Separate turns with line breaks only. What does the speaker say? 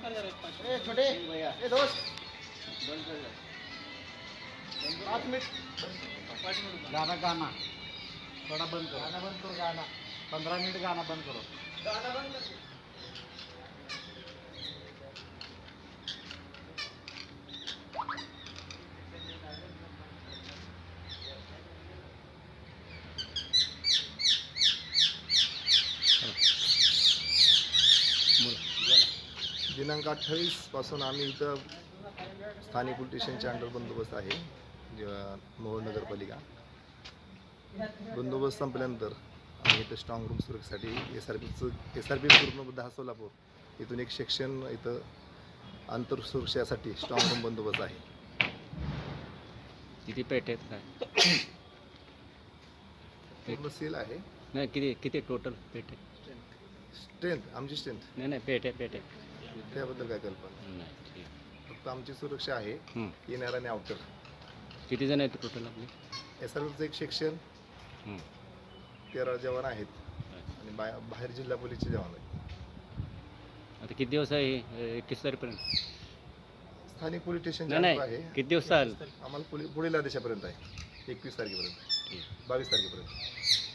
ए छोटे ए दोस्त 5 मिनट गाना थोड़ा बंद करो गाना 15 मिनट गाना बंद करो
दिनांक 28 पासून आम्ही इथं स्थानिक पोलीस स्टेशनच्या अंडर बंदोबस्त आहे मोहोळ नगरपालिका. बंदोबस्त संपल्यानंतर आम्ही इथं स्ट्रॉंग रूम सुरक्षेसाठी एस आर पी ग्रुपनं 10 सोलापूर इथून एक सेक्शन इथं आंतर सुरक्षेसाठी स्ट्रॉंग रूम बंदोबस्त आहे.
किती पेट आहेत काय
पूर्ण सील आहे.
नाही किती टोटल पेट आहे?
स्ट्रेंथ आमची स्ट्रेंथ
नाही पेट आहे
त्याबद्दल काय कल्पना
नाही ठीक.
फक्त आमची सुरक्षा आहे इनर आणि आउटर.
किती जण आहेत टोटल आपले?
एस आर पीचं एक सेक्शन 13 जवान आहेत आणि बाहेर जिल्हा पोलीसचे जवान आहेत.
आता किती दिवस आहे 21 तारखेपर्यंत?
स्थानिक पोलीस स्टेशन
नाही
आहे.
किती दिवस चालेल?
आम्हाला पुढील आदेशापर्यंत आहे 21 तारखेपर्यंत 22 तारखेपर्यंत.